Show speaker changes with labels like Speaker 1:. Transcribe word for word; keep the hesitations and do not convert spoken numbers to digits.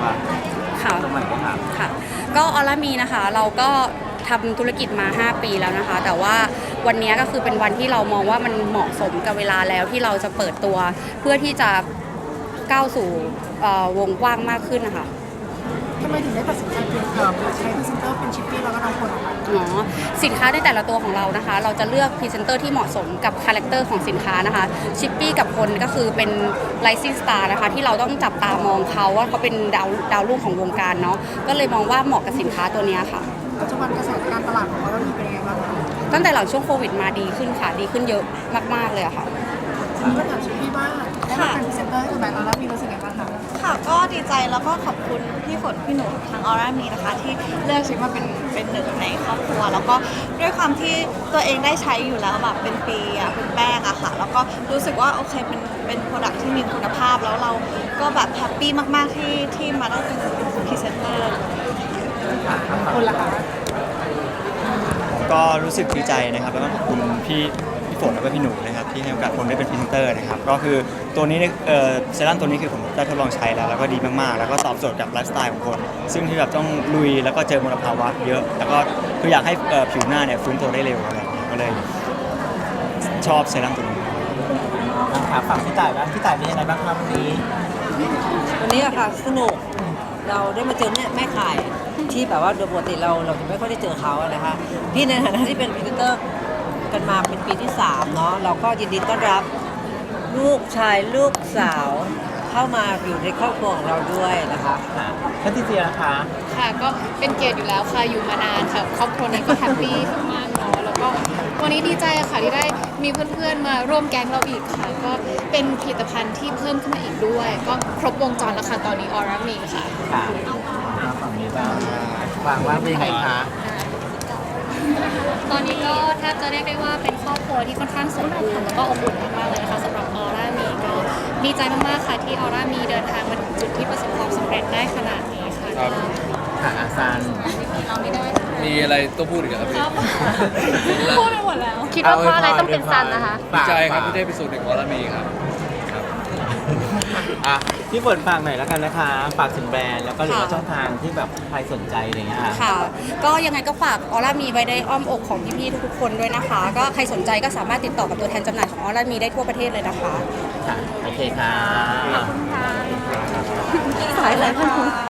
Speaker 1: คะ
Speaker 2: ค่ะ
Speaker 1: ตรงไหนบ้างคะ
Speaker 2: ค่ะ ก็ออร่ามีนะคะ เราก็ทำธุรกิจมา ห้า ปีแล้วนะคะ แต่ว่าวันนี้ก็คือเป็นวันที่เรามองว่ามันเหมาะสมกับเวลาแล้วที่เราจะเปิดตัวเพื่อที่จะก้าวสู่วงกว้างมากขึ้นนะคะ
Speaker 3: ทำไมถึงได้ตัดสินใจเปลี่ยนเอ่อใช้พรีเซนเตอร์เป็นชิปปี้แล้วก็น้องคนออกมา
Speaker 2: อ๋อสินค้าในแต่ละตัวของเรานะคะเราจะเลือกพรีเซนเตอร์ที่เหมาะสมกับคาแรคเตอร์ของสินค้านะคะชิปปี้กับคนก็คือเป็นไลซิ่งสตาร์นะคะที่เราต้องจับตามองเขาว่าเขาเป็นดาวดาวรุ่งของวงการเนาะก็เลยมองว่าเหมาะกับสินค้าตัวนี้ค่ะ
Speaker 3: ปัจจุบันกระแสการตลาดของเราเป็นยังไงบ้างคะ
Speaker 2: ตั้งแต่หลังช่วงโควิดมาดีขึ้นค่ะดีขึ้นเยอะมากๆเลยอะค่ะ
Speaker 3: มีก็ถามชิปปี้บ้างได้มาเป็นพรีเซนเตอร์ให้กับแบรนด์เราแล้วมีรู้สึกยังไงบ้างคะ
Speaker 4: ค่ะก็ดีใจแล้วก็ขอบคุณพี่ฝนพี่หนูทางออร่ามีนะคะที่เลือกชิปมาเป็นเป็นหนึ่งในครอบครัวแล้วก็ด้วยความที่ตัวเองได้ใช้อยู่แล้วแบบเป็นปีอะเป็นแป้งอะค่ะแล้วก็รู้สึกว่าโอเคเป็นเป็นโปรดักที่มีคุณภาพแล้วเราก็แบบแฮปปี้มากๆที่ที่มาได้เป็นพรีเซนเตอร์
Speaker 3: คนละคะ
Speaker 5: ก็รู้สึกดีใจนะครับแล้วก็ขอบคุณพี่พี่ฝนแล้วก็พี่หนูนะครับที่ให้โอกาสผมได้เป็นพรีเซนเตอร์นะครับก็คือตัวนี้เนี่ยเอ่อเซรั่มตัวนี้คือผมได้ทดลองใช้แล้วแล้วก็ดีมากๆแล้วก็ตอบโจทย์กับไลฟ์สไตล์ของคน ซึ่งที่แบบต้องลุยแล้วก็เจอมลภาวะเยอะ แล้วก็คืออยากให้เอ่อผิวหน้าเนี่ยฟื้นตัวได้เร็วอะไรอย่างเงี้ยก็เลยชอบเซรั่มตัวนี้
Speaker 1: ถามฝั่งพี่ต่ายบ้างพี่ต่ายเป็นยังไงบ้างครับวันนี้
Speaker 6: วันนี้อะค่ะสนุกเราได้มาเจอแม่แม่ขายที่แบบว่าโดยปกติเราเราจะไม่ค่อยได้เจอเขาอะนะคะพี่ในฐานะที่เป็นพรีเซนเตอร์กันมาเป็นปีที่สามเนาะเราก็ยินดีต้อนรับลูกชายลูกสาวเข้ามาอยู่ในครอบครัวของเราด้วยนะคะ
Speaker 1: ค่ะท่านที่เจียนะคะ
Speaker 7: ค่ะก็เป็นเกียรติอยู่แล้วค่ะอยู่มานานค่ะครอบครัวนี้ก็แฮปปี้มากๆเนาะแล้วก็วันนี้ดีใจค่ะที่ได้มีเพื่อนๆมาร่วมแก๊งเราอีกค่ะก็เป็นผลิตภัณฑ์ที่เพิ่มขึ้นมาอีกด้วย ก็ครบวงจรแล้วค่ะตอนนี้ออร่ามีค่ะ
Speaker 1: ค่ะฝั่งนี้บ้างฟังว่าเป็นยังไงคะ
Speaker 7: ตอนนี้ก็แทบจะเรียกได้ว่าเป็นครอบครัวที่ค่อนข้างสมบูรณ์แล้วก็อบอุ่นมากๆเลยนะคะสำหรับออร่ามีก็ดีใจมากๆค่ะที่ออร่ามีเดินทางมาถึงจุดที่ประสบความสำเร็จได้ขนาดนี้ค่ะ
Speaker 8: ครับ
Speaker 1: ค่ะอาซาน
Speaker 7: เราไม่ได้
Speaker 8: มีอะไรต้องพูดอีกครับพี่
Speaker 7: พูดไปหมดแล้วคิดว่าเพราะอะไรต้องเป็นซันนะคะ
Speaker 8: ดีใจครับที่ได้ไปสู่หนึ่งออร่ามีครับครับ
Speaker 1: อ่ะพี่ฝนฝากหน่อยแล้วกันนะคะฝากถึงแบรนด์แล้วก็หรือว่าช่องทางที่แบบใครสนใจอะไรเงี้ยค่ะ
Speaker 2: ค่ะก็ยังไงก็ฝากออร่ามีไว้ในอ้อมอกของพี่ๆทุกๆคนด้วยนะคะ ก็ใครสนใจก็สามารถติดต่อกับตัวแทนจำหน่ายของออร่ามีได้ทั่วประเทศเลยนะคะ
Speaker 1: ค่ะโอเคค่ะ
Speaker 2: สายอะไรพัน